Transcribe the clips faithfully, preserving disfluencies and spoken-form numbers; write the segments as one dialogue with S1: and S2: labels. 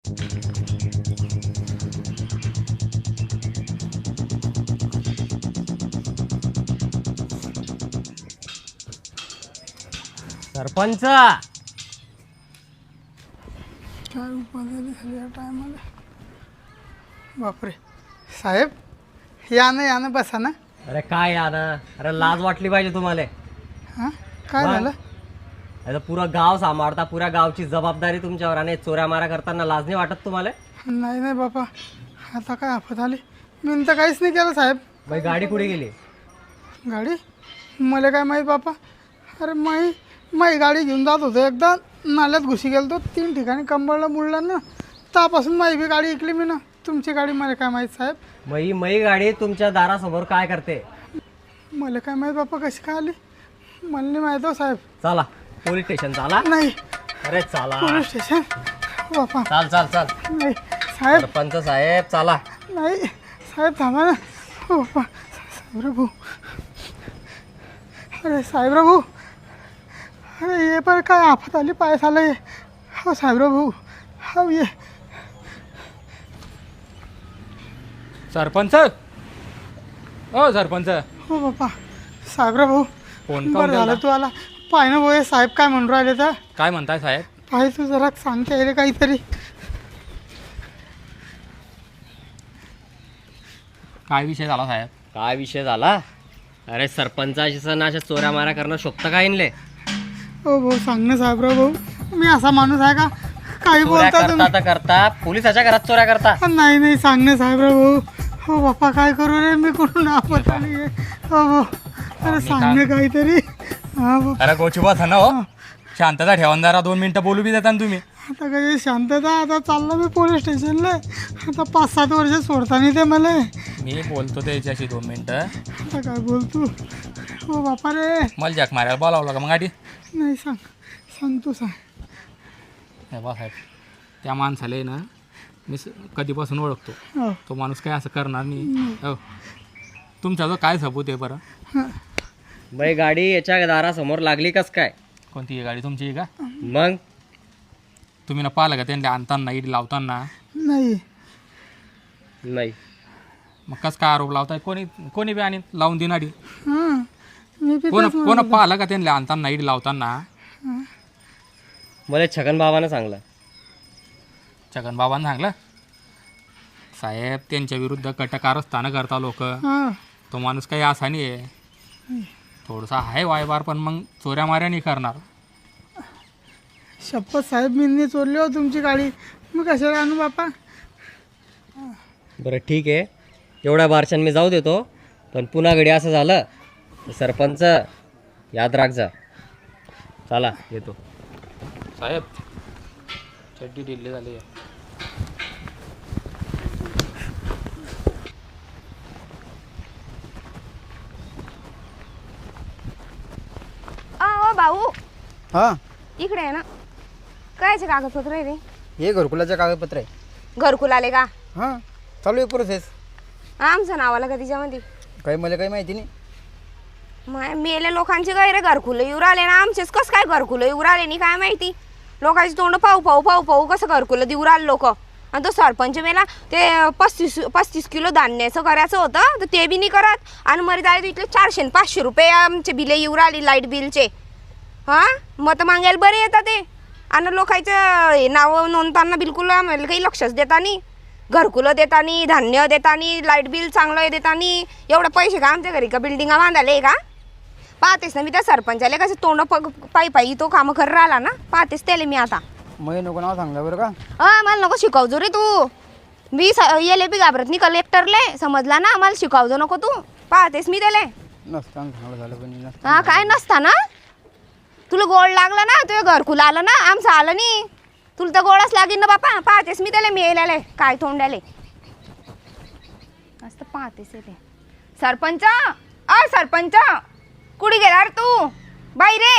S1: सरपंच
S2: काय उपाधी झाली या टायमाला. बापरे साहेब, या ना या ना, बसा ना.
S1: अरे काय यार, अरे लाज वाटली पाहिजे तुम्हाला.
S2: हां काय
S1: वा.
S2: झालं?
S1: आता पुरं गाव सांभाळता, पुऱ्या गावची जबाबदारी तुमच्यावर आणि चोऱ्या मारा करताना लाज नाही वाटत तुम्हाला?
S2: नाही नाही बापा, आता काय आफत आली. मी तर काहीच नाही केलं साहेब.
S1: बाई गाडी कुठे गेली?
S2: गाडी मला काय माहीत बापा. अरे माई माई गाडी घेऊन जात होतो, एकदा नाल्यात घुशी गेलो, तीन ठिकाणी कंबळला मुडला ना, त्यापासून माई बी गाडी ऐकली मी ना. तुमची गाडी मला काय माहीत साहेब.
S1: मई मई गाडी तुमच्या दारासमोर काय करते?
S2: मला काय माहीत बापा कशी काय आली, मला नाही माहीत हो साहेब.
S1: चला पोलीस स्टेशन चाला.
S2: नाही
S1: अरे चला
S2: पोलीस स्टेशन बापा.
S1: चाल चाल चाल.
S2: नाही साहेब,
S1: सरपंच साहेब चला.
S2: नाही साहेब थांबा ना. हो बापा साहेबराव भाऊ. अरे साहेबराव भाऊ, अरे ये पर काय आफत आली, पायस आलं ये. हो साहेबराव भाऊ, हो ये.
S3: सरपंच ओ सरपंच.
S2: हो बापा साहेबराव भाऊ,
S3: फोन
S2: बरं झालं तू आला. पाय ना भाऊ, हे साहेब काय म्हणून राहिले तर.
S3: काय म्हणताय साहेब?
S2: पाय तू जरा सांगता येईल काहीतरी.
S3: काय विषय झाला साहेब?
S1: काय विषय झाला? अरे सरपंचाशी सण अशा चोऱ्या मारा करणं शोभतं का इनले?
S2: हो भाऊ सांग ना साहेबराव भाऊ, मी असा माणूस आहे का काही
S1: चोऱ्या
S2: बोलता
S1: करता
S2: तुम्ही?
S1: तर करता पोलिसाच्या घरात चोऱ्या करता.
S2: नाही नाही सांग ना साहेबराव भाऊ. हो बाप्पा काय करू रे, मी कुठून आपत आली आहे. हो भाऊ, अरे सांग ना काहीतरी. हा भाऊ,
S3: अरे गोचुबा था ना हो, शांतता ठेवून जरा दोन मिनिटं बोलू बी देता ना तुम्ही.
S2: आता काही शांतता. आता चाललं मी पोलीस स्टेशनला. आता पाच सात वर्ष सोडता नाही ते मला.
S3: मी बोलतो त्याच्याशी दोन मिनिटं.
S2: आता काय बोलतो. हो बापा रे.
S3: मला जॅक मारायला बोलावलं का मग आधी?
S2: नाही सांग सांग तू सांग.
S3: हे बा साहेब, त्या माणसाला आहे ना मी स- कधीपासून ओळखतो.
S2: हो
S3: तो माणूस काय असं करणार नाही. हो, तुमचा जो काय सबूत आहे बरं?
S1: बाई गाडी याच्या दारासमोर लागली कस काय?
S3: कोणती आहे गाडी? तुमची आहे का?
S1: मग
S3: तुम्ही ना पाहिलं का त्यांना आणताना इडी लावताना?
S2: नाही
S1: नाही.
S3: मग कसं काय आरोप लावताय? कोणी कोणी बी आणि लावून देणारी?
S2: हां मी बी
S3: कोण
S2: तेच म्हणत
S3: कोण
S2: होतो.
S3: पाहिलं का त्यांना आणताना इडी लावताना?
S1: मला छगन बाबानं सांगलं.
S3: छगन बाबांनी सांगलं? साहेब त्यांच्या विरुद्ध कट कारस्थानं करता लोक.
S2: हां
S3: तो माणूस काही असा नाही आहे, थोडासा आहे वायबार, पण मग चोऱ्या माऱ्या नाही करणार.
S2: शपथ साहेब, मी नाही चोरली हो तुमची गाडी. मी कशाला आणू बापा.
S1: बरं ठीक आहे, एवढ्या बारशान मी जाऊ देतो, पण पुन्हा घडी असं झालं तर सरपंच याद राख जा. चला येतो.
S3: साहेब चड्डी ढिल्ली झाली आहे.
S4: अ भाऊ
S5: हां,
S4: इकडे आहे ना. कायचे कागदपत्र आहे रे?
S5: हे घरकुलाचं कागदपत्र आहे.
S4: घरकुल आले का?
S5: हां, चालू आहे प्रोसेस.
S4: आमचं नाव आलं का तिच्यामध्ये?
S5: काही मला काही माहिती नाही.
S4: माय मेले लोकांचे काय रे घरकुल येऊ राहिले ना, आमचेच कसं काय घरकुल येऊ राहिले नाही काय माहिती. लोकांची तोंड पाहू पाहू पाहू पाहू कसं घरकुल देऊ राहिले लोक. आणि तो सरपंच मेला ते पस्तीस पस्तीस किलो धान्याचं करायचं होतं तर ते बी नाही करत. आणि मरे जाय इथले चारशे आणि पाचशे रुपये आमचे बिले येऊ राहिले लाईट बिलचे. हां मत मागायला बरे येतात ते. आणि लोकांचं नाव नोंदताना बिलकुल आम्हाला काही लक्षच देता नाही. घरकुलं देता नाही, धान्य देता नाही, लाईट बिल चांगलं देता नाही. एवढं पैसे का आमच्या घरी का बिल्डिंगा बांधायला आहे का? पाहतेस ना मी त्या सरपंचाला कसं तोंड प पायी पायी तो कामं करत राहिला ना, पाहतेस त्याला मी आता.
S5: मग नको नाव सांगलं बरं का?
S4: हा मला नको शिकवजो रे तू. मी येले बी घाबरत नाही कलेक्टरले, समजला ना. मला शिकवजो नको तू. पाहतेस मी त्याला.
S5: नसताना चांगलं झालं पण नसतं.
S4: हा काय नसता ना. तुला गोड लागलं ना, तुझं घरकुल आलं ना, आमचं आलं नाही. तुला तर गोडच लागेल ना बापा. पाहतेस मी त्याला मेलेले काय तोंडाले असं पाहतेस ते. सरपंच अ सरपंच कुठे गेला रे तू? बाई रे.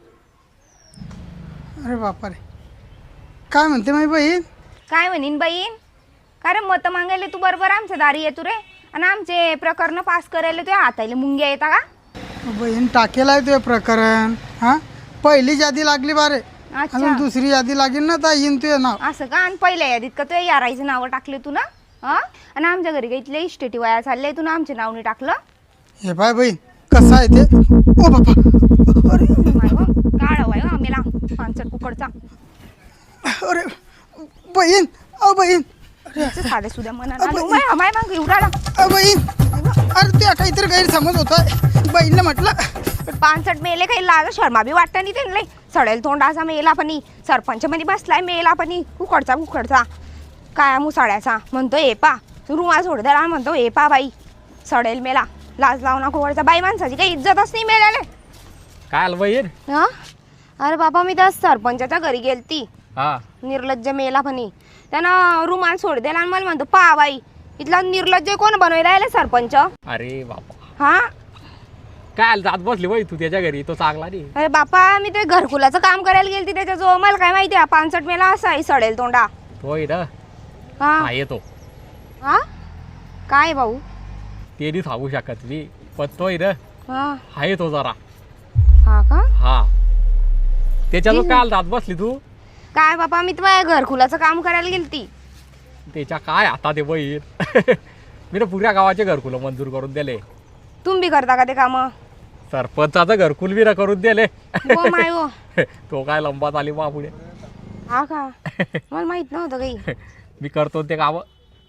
S2: अरे बापा रे, काय म्हणते माझी बहीण?
S4: काय म्हणीन बहीण? कारण मत मागायला तू बरोबर आमच्या दारी येतो रे. आणि आमचे प्रकरण पास करायला तुझ्या हाताला मुंग्या येता का?
S2: बहीण टाकेला आहे तुझे प्रकरण. हां पहिली यादी लागली बारे.
S4: अच्छा
S2: अजून दुसरी यादी लागेल ना तर येईन तुझं नाव.
S4: असं का? आणि पहिल्या यादीत का तुझ्या यारायचं नावं टाकले तू ना? हा आणि आमच्या घरी काही इथले इस्टेटी वया चालले तू ना आमच्या नावने टाकलं.
S2: हे बाय बहीण कसं आहे ते. ओ बाबा अरे
S4: माय व काढ वाय आम्हाला पानसट कुकडचा
S2: अरे बहीण अ बहीण
S4: साधे सुद्धा मना माय माग एवढा
S2: अ बहीण अरे तुझ्या काहीतरी गैरसमज होता. बहीणला म्हटलं
S4: पानसट मेले काही लाज शर्मा बी वाटतं नाही त्यांना. सडेल तोंडाचा मेला पणी सरपंच मध्ये बसलाय मेला पणी कुकडचा कुकडचा काय मुसाड्याचा म्हणतो ए पा रुमाल सोड द्याला म्हणतो ए पा बाई सडेल मेला लाज लावू नको वरचा बाई माणसाची काही इज्जतच नाही मेल्याले.
S3: काय आलं बहीण?
S4: हा अरे बाबा मी त्या सरपंचाच्या घरी गेलती
S3: हा
S4: निर्लज्ज मेला पणी त्यानं रुमाल सोड द्याला आणि मला म्हणतो पा बाई इथला निर्लज्ज कोण बनवायला आले सरपंच.
S3: अरे बापा
S4: हा
S3: काय आलं जात बसली बाई तू त्याच्या घरी तो चांगला नाही.
S4: अरे बापा मी ते घरकुलाचं काम करायला गेलती त्याच्याजवळ मला काय माहिती आहे पानसट मेला असा आहे सडेल तोंडा.
S3: तो ना
S4: हा
S3: हा येतो
S4: हा काय भाऊ
S3: ते नाही सांगू शकत मी पण तो ना
S4: हा
S3: हा येतो जरा.
S4: हा का
S3: हा त्याच्याजवळ काय आलं जात बसली तू.
S4: काय बापा मी तुम्हाला घरकुलाचं काम करायला गेलती.
S3: त्याच्या काय आता ते बहीण मी ना पुऱ्या गावाचे घरकुल मंजूर करून दिले.
S4: तुम्ही बी करता का ते काम?
S3: सरपंचाचं घरकुल बी ना करून दिले.
S4: हो माय हो
S3: तो काय लंबात आली मा पुढे.
S4: हा का मला माहित नव्हतं काही.
S3: मी करतो ते काम.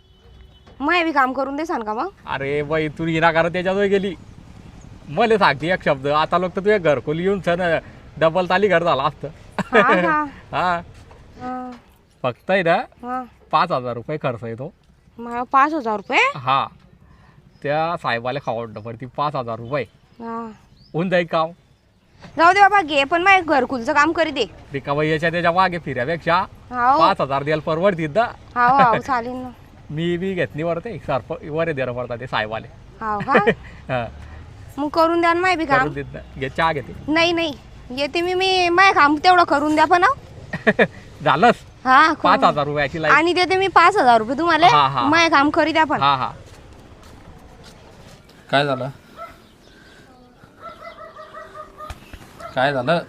S4: मग बी काम करून देसान का मग?
S3: अरे बाई तू हिना करत त्याच्याजवळ गेली मला सांगते एक शब्द आता लोक तर तुझ्या घरकुल येऊन सण डबल ताली घर झाला असतं.
S4: हा का
S3: हा
S4: हा,
S3: फक्त आहे ना
S4: हा.
S3: पाच हजार रुपये खर्च येतो.
S4: मला पाच हजार रुपये
S3: हा त्या साहेबाला खावडणं पडती पाच हजार रुपये
S4: हा
S3: होऊन जाईल काम.
S4: जाऊ दे बाबा घे पण मग घरकुलचं काम करी दे.
S3: रिकाबाई याच्या त्याच्या मागे फिऱ्यापेक्षा
S4: हाव
S3: पाच हजार द्यायला परवडतील ना.
S4: हाव हाव चालेल ना.
S3: मी बी घेतली वरते सरप वर देणं पडतात ते साहेबाले.
S4: हाव का
S3: हा
S4: मग करून द्या ना माय बी काम.
S3: करून देत ना घे चहा घेते.
S4: नाही नाही येते मी मी माय काम तेवढं करून द्या पण हं.
S3: झालंच
S4: हा करून
S3: पाच
S4: द्या.
S3: हजार रुपयाची लाईट.
S4: आणि देते मी पाच हजार रुपये
S3: हा,
S4: तुम्हाला
S3: हा.
S4: माय काम करी द्या पण.
S3: हा हा काय झालं काय झालं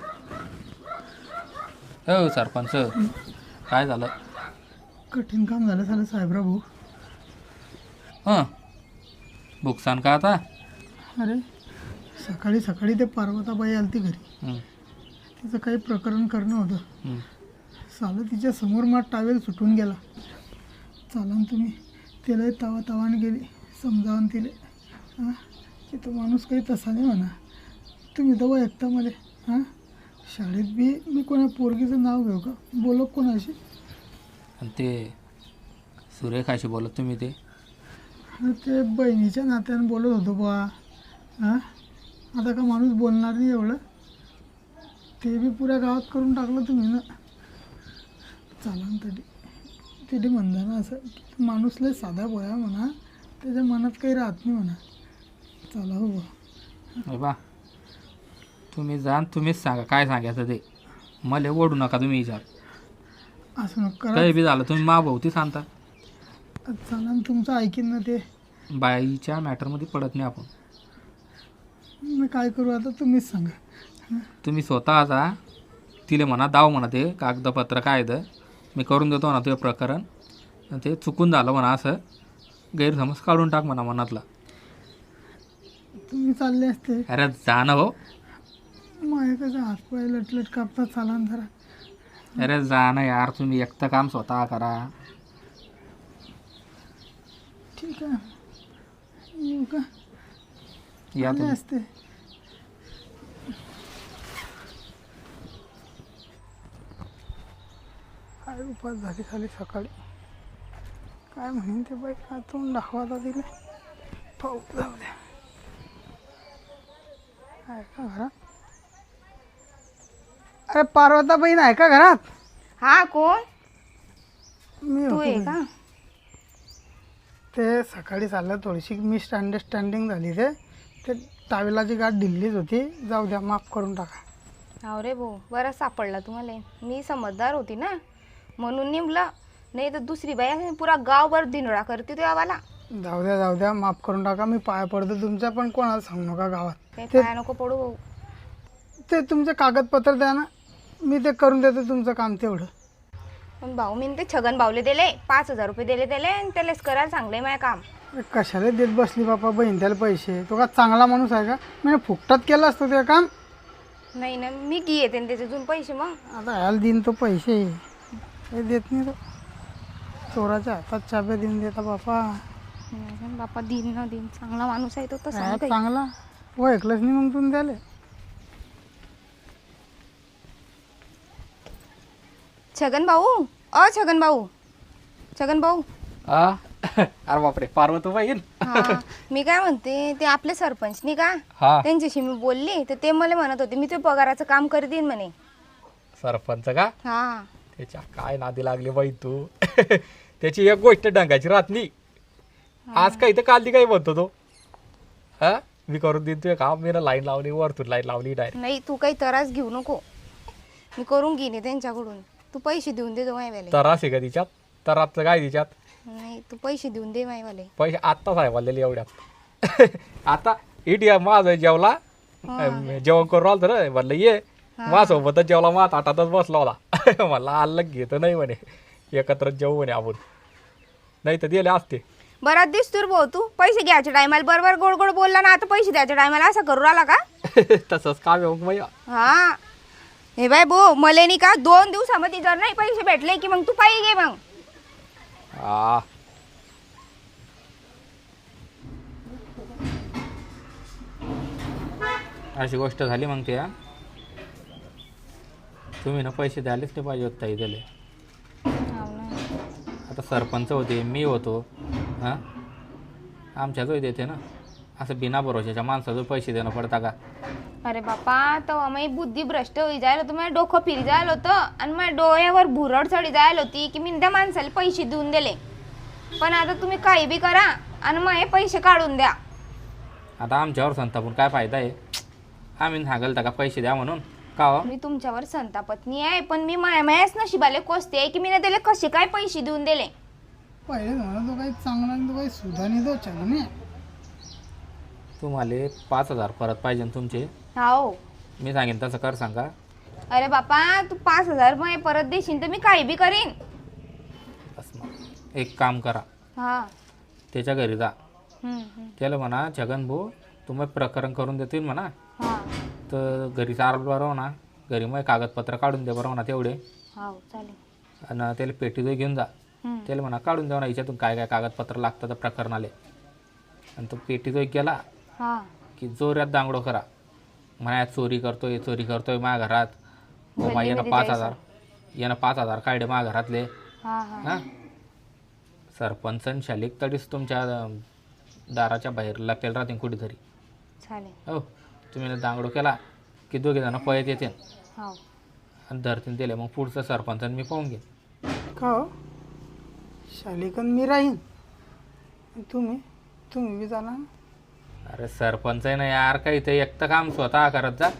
S3: हो सरपंच काय झालं?
S2: कठीण काम झालं झालं साहेबराव भाऊ.
S3: हां बुकसान का आता?
S2: अरे सकाळी सकाळी ते पार्वताबाई आली ती घरी.
S3: हं,
S2: तिचं काही प्रकरण करणं होतं.
S3: हं.
S2: सालं तिच्या समोर मा टावेल सुटून गेला. चालन तुम्ही तिलाही तवा तवाने गेली समजावून तिले हां की तो माणूस काही तसा नाही म्हणा. तुम्ही दवा एकता मध्ये हां शाळेत बी मी कोणा पोरगीचं नाव घेऊ का बोलो कोणाशी.
S3: आणि ते सुरेखाशी बोलत तुम्ही ते
S2: अरे ते बहिणीच्या नात्यानं बोलत होतो बुवा. हां आता का माणूस बोलणार नाही एवढं. ते बी पुऱ्या गावात करून टाकलं तुम्ही ना. चालन तरी तिथे म्हणता ना असं की माणूस लय साधा बोया म्हणा त्याच्या मनात काही राहत नाही म्हणा. चला हो बुवा.
S3: हे बा तुम्ही जा आणि तुम्हीच सांगा काय सांगायचं ते मला ओढू नका तुम्ही विचार.
S2: असं नको करा.
S3: काही बी झालं तुम्ही मा भावती सांगता.
S2: चालन तुमचं ऐकीन ना ते.
S3: बाईच्या मॅटरमध्ये पडत नाही आपण.
S2: मी काय करू आता तुम्हीच सांगा.
S3: तुम्ही स्वतः जा तिले म्हणा दाव म्हणा ते कागदपत्र काय तर मी करून देतो म्हणा ते प्रकरण. आणि ते चुकून झालं म्हणा असं गैरसमज काढून टाक म्हणा मनातला.
S2: तुम्ही चालले असते
S3: अरे जा ना भाऊ.
S2: माझ्या कसं हातपाय लटलट कापतात चालन जरा.
S3: अरे जा ना यार तुम्ही एकटं काम स्वतः करा.
S2: ठीक आहे येऊ का
S3: या
S2: चालले
S3: तुम्ही.
S2: असते. काय उपास झाली खाली सकाळी. काय म्हणेन ते बाई काय तोंड दाखवायला दिले पाहू जाऊ द्या. आहे का घरात? अरे पार्वता बहीण आहे का घरात?
S4: हा कोण
S2: मी
S4: तू
S2: होतो
S4: आहे
S2: घरी.
S4: का?
S2: ते सकाळी चाललं थोडीशी मिस अंडरस्टँडिंग झाली. ते ते टावेलाची गाठ ढिल्लीच होती. जाऊ द्या माफ करून टाका.
S4: अरे भाऊ बरं सापडला तुम्हाला. मी समजदार होती ना म्हणून निमलं. नाही तर दुसरी बाई असेल पुरा गावभर दिनोडा करते तो आवाला.
S2: जाऊ द्या जाऊ द्या माफ करून टाका. मी पाया पडतो तुमच्या पण कोणाला सांगू नका गावात.
S4: काही
S2: ते
S4: पाया नको पडू भाऊ.
S2: ते तुमचे कागदपत्र द्या ना. मी ते करून देतो तुमचं काम तेवढं.
S4: पण भाऊ मी ते छगन भाऊले दिले पाच हजार रुपये दिले त्याले आणि त्यालाच करायला चांगलंय माझं काम.
S2: अरे कशाला देत बसली बापा बहीण त्याला पैसे? तो का चांगला माणूस आहे का? मी फुकटात केलं असतं ते काम.
S4: नाही ना मी की येते त्याच्यातून पैसे मग.
S2: आता याला देईन तो पैसे हे देत नाही तो. चोराच्या हातात चाब्या देऊन देता बापा.
S4: नाही बापा दिन ना दिन चांगला माणूस आहे तो तसा
S2: काय
S4: नाही काही.
S2: चांगला हो ऐकलंच नाही मग तुम्ही त्याले.
S4: छगन भाऊ अ छगन भाऊ छगन भाऊ
S3: आ अरे बापरे पार्वती येईल.
S4: हा मी काय म्हणते ते आपले सरपंच नाही का
S3: हा
S4: त्यांच्याशी मी बोलली तर ते मला म्हणत होते मी ते पगाराचं काम कर देईन म्हणे.
S3: सरपंच का?
S4: हा
S3: त्याच्या काय नादी लागली बाई तू. त्याची एक गोष्ट डंगाची राहत नाही. आज काही तर काल ती काही म्हणतो तो. हा मी करून देईन तुझे काम. मी ना लाईन लावली वरतून लाईन लावली डायरेक्ट.
S4: नाही तू काही त्रास घेऊ नको मी करून घेईन त्यांच्याकडून. तू पैसे देऊन दे मायवाले.
S3: तरास आहे का तिच्यात? तरातचं काय तिच्यात?
S4: नाही तू पैसे देऊन दे मायवाले.
S3: पैसे आत्ताच आहे वाढलेले एवढ्यात. आता इडिया माझं जेवला जेवण करून राहिलं तर म्हणलं ये माझ्यासोबतच जेवला माझ ताटातच बसला होता. मला अलग घेत नाही म्हणे एकत्र जेवू म्हणे आपण. नाही तर दिले असते.
S4: बराच दिसतोर भाऊ तू पैसे घ्यायच्या टायमाला बरोबर गोड गोड बोलला ना आता पैसे द्यायच्या टायमाला असं करू राहिला का?
S3: तसंच काम आहे मग मैया.
S4: हा हे बाय भाऊ मले नाही का दोन दिवसामध्ये जर नाही पैसे भेटले की मग तू पायी घे मग.
S3: हा अशी गोष्ट झाली मग त्या. तुम्ही ना पैसे द्यायलाच ते पाहिजे होत ताई दिले. आता सरपंच होते मी होतो हां आमच्याच देते ना. असं बिना भरोशाच्या माणसाचं पैसे देणं पडता का?
S4: अरे बापा तेव्हा माझी बुद्धी भ्रष्ट होई जायला होतं माझं डोकं फिरी जायला होतं आणि माझ्या डोळ्यावर भुरड चढी जायला होती की मी त्या माणसाला पैसे देऊन दिले. पण आता तुम्ही काही बी करा आणि मग हे पैसे काढून द्या.
S3: आता आमच्यावर संतापून काय फायदा आहे? आम्ही सांगाल का पैसे द्या म्हणून का हो?
S4: मी तुमच्यावर संतापत्नी आहे पण मी माया मायाच नशिबाले कोसते आहे की मी ना त्याला कसे काय पैसे देऊन दिले.
S2: पहिले म्हणा तो काही चांगला नाही तो काही सुधानी तो छगने.
S3: तुम्हाला पाच हजार परत पाहिजे ना तुमचे.
S4: हो
S3: मी सांगेन तसं कर सांगा.
S4: अरे बापा तू पाच हजार मग परत देशील तर मी काही बी करीन.
S3: बस मग एक काम करा
S4: हा
S3: त्याच्या घरी जा.
S4: हम्म, हम्म.
S3: त्याला म्हणा छगन भाऊ तुम्ही प्रकरण करून देतील म्हणा.
S4: हा
S3: तर घरी चार बरं ना घरी मग कागदपत्र काढून दे बरं म्हणा तेवढे.
S4: हो चालेल.
S3: आणि त्याला पेटी जो घेऊन जा.
S4: हम्म.
S3: त्याला म्हणा काढून द्या ना याच्यातून काय काय कागदपत्र लागतं तर प्रकरण आले. आणि तो पेटी जो गेला
S4: हा
S3: की जोरात दांगडो करा म्हणा चोरी करतोय चोरी करतोय माझ्या घरात. हो मा यानं पाच हजार यानं पाच हजार काढले माझ्या घरातले.
S4: हा हा
S3: हां सरपंच आणि शालिक तडीच तुमच्या दाराच्या बाहेर लागतील राहतील कुठेतरी.
S4: चालेल.
S3: हो तुम्ही दांगडो केला की दोघे जण पळत येते
S4: हो
S3: आणि धरतीन दिले मग पुढचं सरपंचाने मी पाहून घेईन.
S2: का हो शालिकन मी राहीन तुम्ही तुम्ही बी जाणार ना.
S3: अरे सरपंच आहे ना यार काही ते एकटं काम स्वतः करत जा.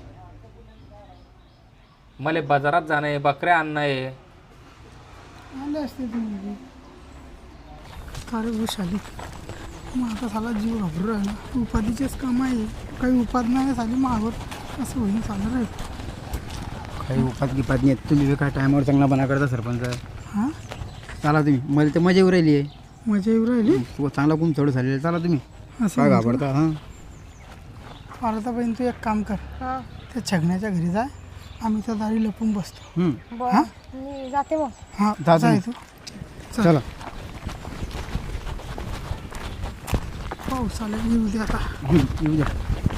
S3: मला बाजारात जाणं आहे बकऱ्या आणणं आहे.
S2: आले असते तुम्ही बी. अरे हो शालिक मग आता साला जीव घाबरू राहिला. उपाधीचेच काम आहे काही उपाध नाही झाली मागवर असं होईन चालू राहील.
S5: काही उपात गिपात नाही तुम्ही बी काय टायमावर चांगला बना करता सरपंच.
S2: हां
S5: चला तुम्ही मला तर मजा येऊ राहिली आहे.
S2: मजा येऊ राहिली.
S5: तू चांगला कुम थोडं झालेलं. चला तुम्ही
S2: असं
S5: काय
S2: म्हणतो.
S5: घाबरता हां.
S2: आता बहीण तू एक काम कर
S4: हा
S2: त्या छगण्याच्या घरी जाय आम्ही त्या दारी लपून बसतो.
S5: हं.
S4: बरं मी जाते मग.
S2: हां
S5: जा
S2: जाय
S5: तुम्ही.
S2: तू
S5: चला
S2: पाऊस आला येऊ दे आता.
S5: हं, येऊ द्या.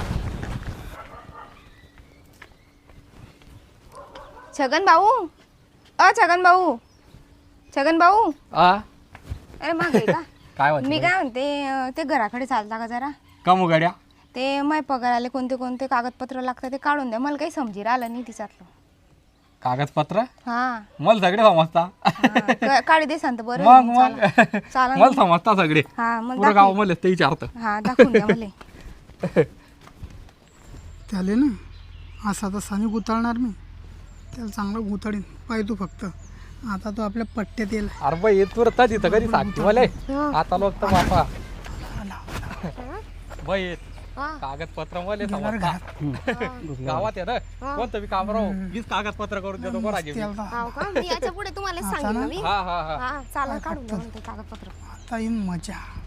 S4: छगन भाऊ अ छगन भाऊ छगन भाऊ
S3: आ
S4: अरे मागे का
S3: काय
S4: मी काय म्हणते अं, ते घराकडे चालता का जरा.
S3: कमू गाड्या
S4: ते माय पगाराले कोणते कोणते कागदपत्र लागतात ते काढून द्या मला काही समजी राहिलं नाही तिच्यातलं.
S3: कागदपत्र
S4: हा
S3: मला सगळे समजता.
S4: हा, क- काढी दे सांगतो बरं.
S3: मग मग
S4: चाला. चाला
S3: मला
S4: ना.
S3: समजता सगळे
S4: हा मग
S3: पुरं गाव
S4: दाखव.
S3: मला ते विचारतं.
S4: हा दाखवून द्या मला.
S2: त्याले ना असा तसा नाही गुताळणार मी. त्याला चांगलं गुताळीन पाय तू फक्त. आता तो आपल्या पट्ट्यात येईल.
S3: अरे बाई येत तुरता तिथं कधी सांगते मला आता लोक तर बापा बाई येत
S4: हा.
S3: कागदपत्र मला
S2: गेला रे
S3: समजता गावात आहे ना कोणतं बी काम राहू मीच कागदपत्र करून देतो कोणाचे बी.
S2: त्याला
S4: हो का मी याच्या पुढे तुम्हाला सांगितलं मी
S3: हा हा हा
S4: हा चाला काढून द्या म्हणते कागदपत्र
S2: आता येईन मजा